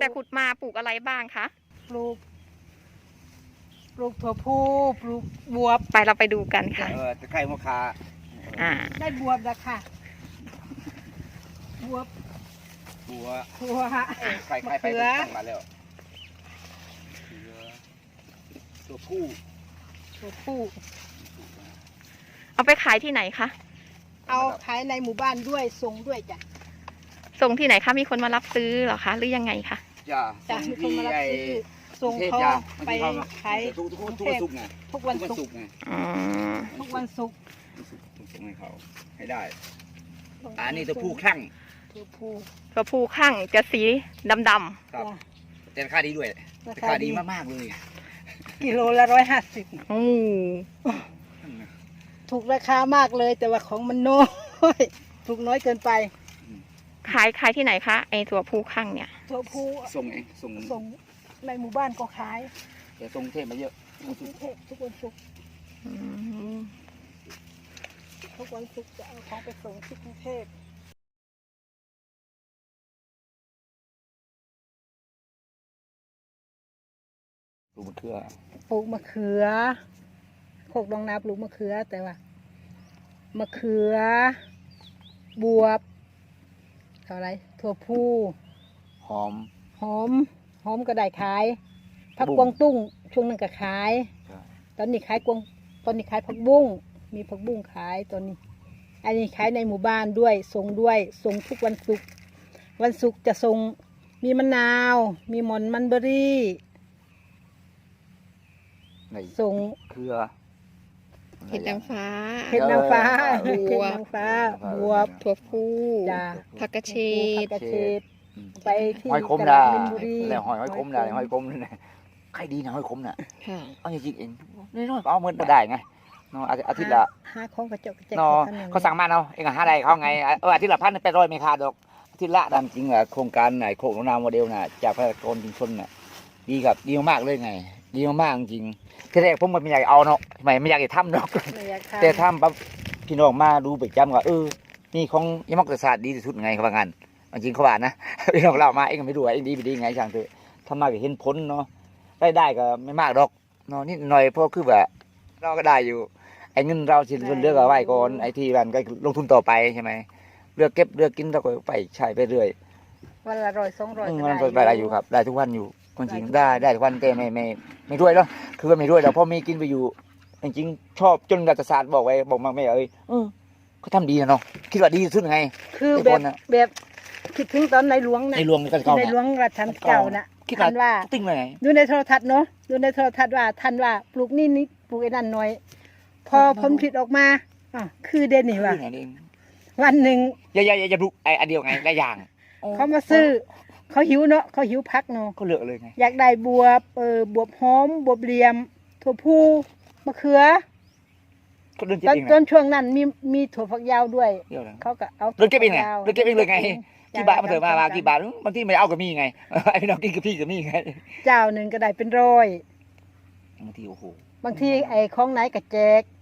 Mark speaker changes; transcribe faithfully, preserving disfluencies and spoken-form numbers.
Speaker 1: แต่ขุดมาปลูกอะไรบ้างคะ
Speaker 2: ปลูกปลูกถั่วพูปลูกบวบ
Speaker 1: ไปเราไปดูกันค่ะ
Speaker 3: เออตะไคร้มะขาม
Speaker 1: อ่า
Speaker 2: ได้บวบแล้วค่ะบวบ
Speaker 3: บัว
Speaker 2: ถั่ว
Speaker 3: ไข่ไข่ไปตั้งมาแล้วตัวผู้
Speaker 2: ถั่วพู
Speaker 1: เอาไปขายที่ไหนคะ
Speaker 2: เอาขายในหมู่บ้านด้วยส่งด้วยจ้ะ
Speaker 1: ส่งที่ไหนคะมีคนมารับซื้อเหรอคะหรือยังไงคะ
Speaker 3: จ้ะ
Speaker 2: จ้ะมีคนมารับซื้อส่งเขาไปขาย
Speaker 3: ทุกทุกทุกศุกร์ไง
Speaker 2: ทุกวันศุกร์
Speaker 1: อ๋อ
Speaker 2: ทุกวันศุกร์
Speaker 3: ส่งให้เขาให้ได้อันนี้ตัวผู้คลั่ง
Speaker 2: ตัวผู้
Speaker 1: ตัวผู้ข้างจะสีดำดำ
Speaker 3: ครับแต่ราคาดีด้วยราคาดีมากๆเลย
Speaker 2: กิโลละร้อยห้าสิบ
Speaker 1: โอ้
Speaker 2: ถูกราคามากเลยแต่ว่าของมันน้อยถูกน้อยเกินไป
Speaker 1: ขายขายที่ไหนคะไอตัวผู้ข้างเนี่ย
Speaker 2: ตัวผู้
Speaker 3: ส่งเองส่ง
Speaker 2: ส่งในหมู่บ้านก็ขาย
Speaker 3: แต่ส่งเทพมาเยอะ
Speaker 2: ทุกเทพทุกวันศุกร์ทุกวันศุกร์จะเอาของไปส่งที่กรุงเทพ
Speaker 3: ปลูกมะเขือ
Speaker 2: ปลูกมะเขือโคกดองนาปลูกมะเขือแต่ว่ามะเขือบวบเท่าไรถั่วพู
Speaker 3: หอม
Speaker 2: หอมหอมก็ได้ขายผักกวางตุ้งช่วงนึงก็ขายตอนนี้ขายกวางตอนนี้ขายผักบุ้งมีผักบุ้งขายตอนนี้อันนี้ขายในหมู่บ้านด้วยส่งด้วยส่งทุกวันศุกร์วันศุกร์จะส่งมีมะนาวมีหม่อนมันเบอรี่ส่ง
Speaker 3: เขือ
Speaker 1: เห็ดนางฟ้า
Speaker 2: เห็ดนางฟ้า
Speaker 1: บวบ
Speaker 2: ฟ้าบวบ
Speaker 1: ถั่วพูผักกระเฉด
Speaker 2: ผักกระเฉดไปที่
Speaker 3: หอยคมด่าแล้วหอยหอยคมด่าหอยคมนี่นะใครดีนะหอยคมน่ะเอาจริงๆเองน้อยๆเอาเงินมาได้ไงเนาะอาทิตย์ละ
Speaker 2: ห้าของกระจกกระจก
Speaker 3: เนาะเขาสั่งมาเนาะเองหาอะไรเขาไงเอออาทิตย์ละพันแปดร้อยไม่ขาดดอกอาทิตย์ละตามจริงอ่ะโครงการไหนโครงนามโมเดลน่ะจากพระกรชุมชนน่ะดีกับดีมากเลยไงดีมากจริงที่แรกผมไม่อยากเอาเนาะไม่ไม่อยากจะทำเนาะแต่ทำปั๊บพี่น้องมาดูไปจำว่าเออนี่ของยมกศาสตร์ดีที่สุดไงเขาว่างั้นจริงเขาว่านะพี่น้องเรามาเองไม่รู้ว่าเองดีไปดีไงช่างเถอะทำมาก็เห็นผลเนาะได้ได้ก็ไม่มากดอกเนาะนิดหน่อยเพราะคือแบบเราก็ได้อยู่ไอ้เงินเราสิเลือกเอาไว้ก่อนไอ้ที่มันก็ลงทุนต่อไปใช่ไหมเลือกเก็บเลือกกินเราก็ไปใช้ไปเรื่อย
Speaker 2: วันละร้อยสองร้อย
Speaker 3: มันไปได้อยู่ครับได้ทุกวันอยู่จริงได้ได้ทุกวันแต่ไม่ไม่ไม่ด้วยแล้วคือว่าไม่ด้วยแล้วพอมีกินไปอยู่จริงๆชอบจนรัฐศาสตร์บอกไว้บอกมาไม่เอ้ยเขาทำดีนะเนาะคิดว่าดีสุดไง
Speaker 2: คือแบบแบบคิดถึงตอนในหลวงนะ
Speaker 3: ในหลวงก็เก่า
Speaker 2: ในหลวงรัชกาลเก่านะท่านว่า
Speaker 3: ติ้งเลย
Speaker 2: ดูในโทรทัศน์เนาะดูในโทรทัศน์ว่าท่านว่าปลูกนี่นี่ปลูกไอ้นั่นหน่อยพอผลผลิตออกมาอ่ะคือเด่นนี่ว่าวันหนึ่ง
Speaker 3: อย่าอย่าอย่าปลูกไอ้อันเดียวไงได้อย่าง
Speaker 2: เขามาซื้อเขาหิวเนาะเขาหิวพักเนาะ
Speaker 3: เขาเลือกเลยไง
Speaker 2: อยากได้บวบเออบวบหอมบวบเหลี่ยมถั่วพูมะเขือตอนต้นช่วงนั้นมีมีถั่วฝักยาวด้วยเขาก็เอา
Speaker 3: เลือกเก็บเองไงเลือกเก็บเองเลยไงกี่บาทมาเถอะมากี่บาทบางทีไม่เอากับมีไงไอ้พี่น้องกินกับพี่กับมีไง
Speaker 2: เจ้าหนึ่งก็ได้เป็นร้อย
Speaker 3: บางทีโอ้โห
Speaker 2: บางทีไอ้ของไหนก็แจก